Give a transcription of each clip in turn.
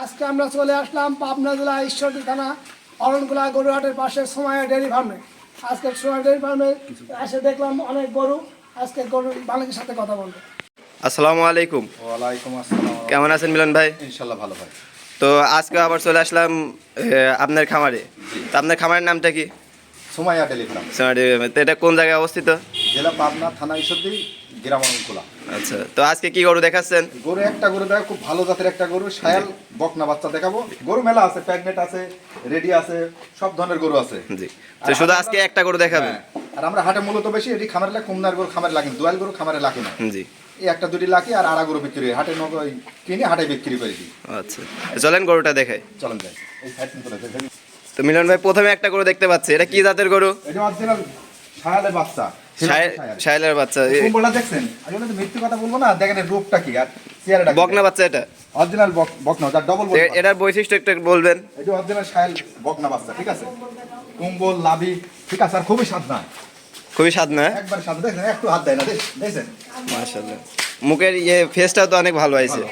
আজকে আমরা চলে আসলাম পাবনা জেলা ঈশ্বরদী থানা অরণকুলা গরুহাটের পাশে সোমাইয়া ডেয়ারি ফার্মে। আজকে সোমাইয়া ডেয়ারি ফার্মে এসে দেখলাম অনেক গরু। আজকে গরুর মালিকের সাথে কথা বলবো। আসসালামু আলাইকুম। ওয়ালাইকুম আসসালাম। কেমন আছেন মিলন ভাই? ইনশাল্লাহ ভালো ভাই। তো আজকে আবার চলে আসলাম আপনার খামারে। তো আপনার খামারের নামটা কি? সোমাইয়া ডেয়ারি ফার্ম, তো এটা কোন জায়গায় অবস্থিত? জেলা পাবনা, থানা ঈশ্বরদী, গ্রাম অরণকুলা। আচ্ছা, তো আজকে কি গরু দেখাচ্ছেন? গরু একটা গরু দেখো, খুব ভালো জাতের একটা গরু, শায়াল বকনা বাচ্চা দেখাবো। গরু মেলা আছে, প্যাগনেট আছে, রেডি আছে, সব ধরনের গরু আছে। জি, তো শুধু আজকে একটা গরু দেখাবেন? হ্যাঁ, আর আমরা হাটে মূলত বেশি এটি খামারে লাগে, কমনার গরু খামারে লাগে, দোয়াল গরু খামারে লাগে না। জি, এই একটা দুটি লাখি আর আড়া গরু বিক্রি হয় হাটে, কিনে হাটে বিক্রি করে দিই। আচ্ছা, চলেন গরুটা দেখাই। চলেন যাই, এই সাইড করে দেখেন। তো মিলন ভাই, প্রথমে একটা গরু দেখতে পাচ্ছি, এটা কি জাতের গরু? এটা অরিজিনাল শায়ালের বাচ্চা। শাইলের বাচ্চা। কুম্বলটা দেখছেন? আমি বলতে মিথ্যে কথা বলবো না, দেখেন এর রূপটা কি আর চেহারাটা। বকনা বাচ্চা এটা? অরিজিনাল বকনা, যার ডবল বল। এটার বৈশিষ্ট্য একটু বলবেন? এটা অরিজিনাল শায়াল বকনা বাচ্চা, ঠিক আছে? কুম্বল, লাভি, ঠিক আছে, আর খুবই স্বাদ না, খুবই স্বাদ না? একবার স্বাদ। দেখেন একটু হাত দেয় না, দেখছেন? মাশাআল্লাহ, মুখের ফেসটাও তো অনেক ভালো হয়েছে।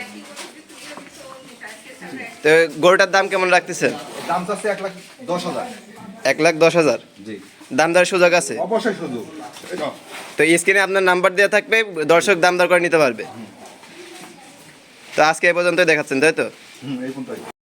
তো গরুটার দাম কেমন রাখতেছেন? দাম চাচ্ছে 1,10,000। 1,10,000? জি, দাম দর সুযোগ আছে? অবশ্যই সুযোগ। তো স্ক্রিনে আপনার নাম্বার দেওয়া থাকবে, দর্শক দাম দর করে নিতে পারবে। তো আজকে এ পর্যন্তই দেখাচ্ছেন, তাই তো? এই পর্যন্তই।